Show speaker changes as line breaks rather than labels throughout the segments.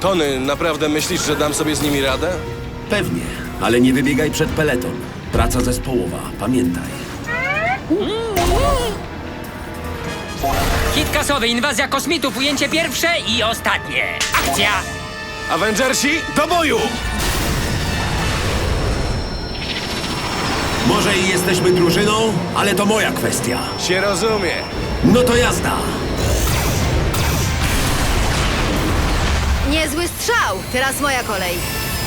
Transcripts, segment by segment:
Tony, naprawdę myślisz, że dam sobie z nimi radę?
Pewnie, ale nie wybiegaj przed peleton. Praca zespołowa, pamiętaj.
Hit kasowy, inwazja kosmitów, ujęcie pierwsze i ostatnie. Akcja!
Avengersi, do boju!
Może i jesteśmy drużyną, ale to moja kwestia.
Się rozumie.
No to jazda!
Niezły strzał! Teraz moja kolej.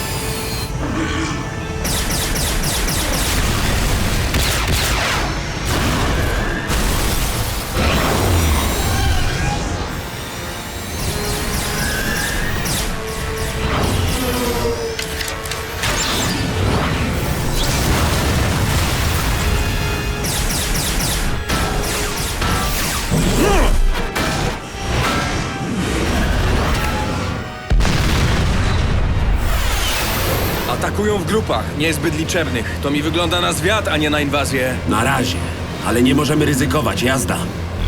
Atakują w grupach, niezbyt liczebnych. To mi wygląda na zwiat, a nie na inwazję.
Na razie, ale nie możemy ryzykować, jazda.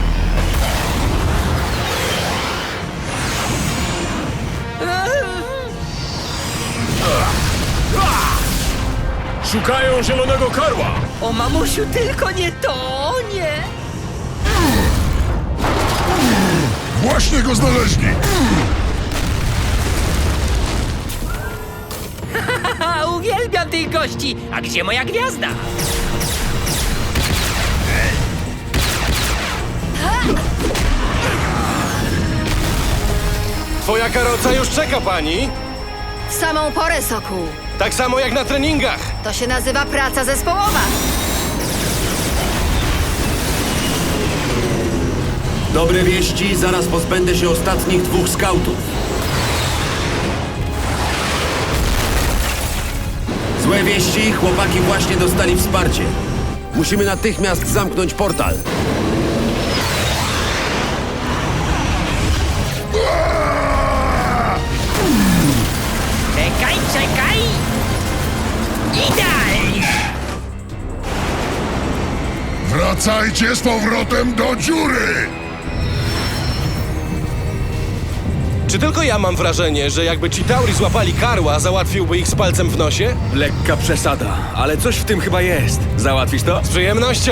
Szukają zielonego karła!
O mamusiu, tylko nie to, nie!
Właśnie go znaleźli!
Haha, uwielbiam tych gości! A gdzie moja gwiazda?
Twoja karoca już czeka, pani.
W samą porę, Sokół.
Tak samo jak na treningach.
To się nazywa praca zespołowa.
Dobre wieści, zaraz pozbędę się ostatnich 2 skautów. Złe wieści, chłopaki właśnie dostali wsparcie. Musimy natychmiast zamknąć portal.
Czekaj, czekaj! Idealnie!
Wracajcie z powrotem do dziury!
Czy tylko ja mam wrażenie, że jakby Chitauri złapali karła, załatwiłby ich z palcem w nosie?
Lekka przesada, ale coś w tym chyba jest. Załatwisz to?
Z przyjemnością.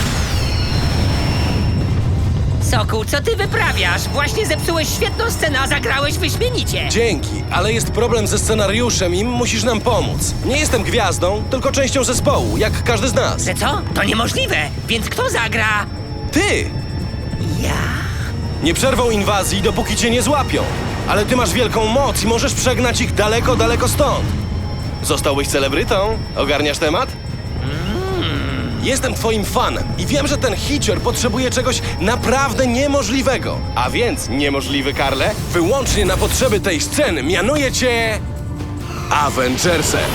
Sokół, co ty wyprawiasz? Właśnie zepsułeś świetną scenę, a zagrałeś wyśmienicie!
Dzięki, ale jest problem ze scenariuszem i musisz nam pomóc. Nie jestem gwiazdą, tylko częścią zespołu, jak każdy z nas.
Że co? To niemożliwe! Więc kto zagra?
Ty!
Ja?
Nie przerwą inwazji, dopóki cię nie złapią. Ale ty masz wielką moc i możesz przegnać ich daleko, daleko stąd. Zostałbyś celebrytą? Ogarniasz temat? Jestem twoim fanem i wiem, że ten hicior potrzebuje czegoś naprawdę niemożliwego. A więc, niemożliwy Karle, wyłącznie na potrzeby tej sceny mianuję cię... Avengersem.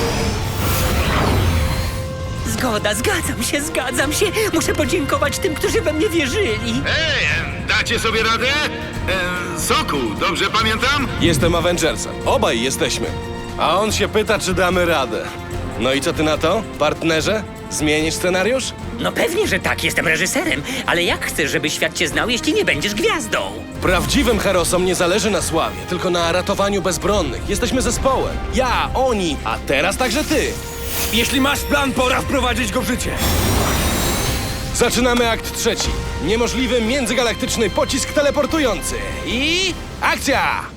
Zgoda, zgadzam się. Muszę podziękować tym, którzy we mnie wierzyli.
Dacie sobie radę? Sokół, dobrze pamiętam?
Jestem Avengersem. Obaj jesteśmy. A on się pyta, czy damy radę. No i co ty na to, partnerze? Zmienisz scenariusz?
No pewnie, że tak, jestem reżyserem. Ale jak chcesz, żeby świat cię znał, jeśli nie będziesz gwiazdą?
Prawdziwym herosom nie zależy na sławie, tylko na ratowaniu bezbronnych. Jesteśmy zespołem. Ja, oni, a teraz także ty.
Jeśli masz plan, pora wprowadzić go w życie.
Zaczynamy akt 3. Niemożliwy międzygalaktyczny pocisk teleportujący. I... akcja!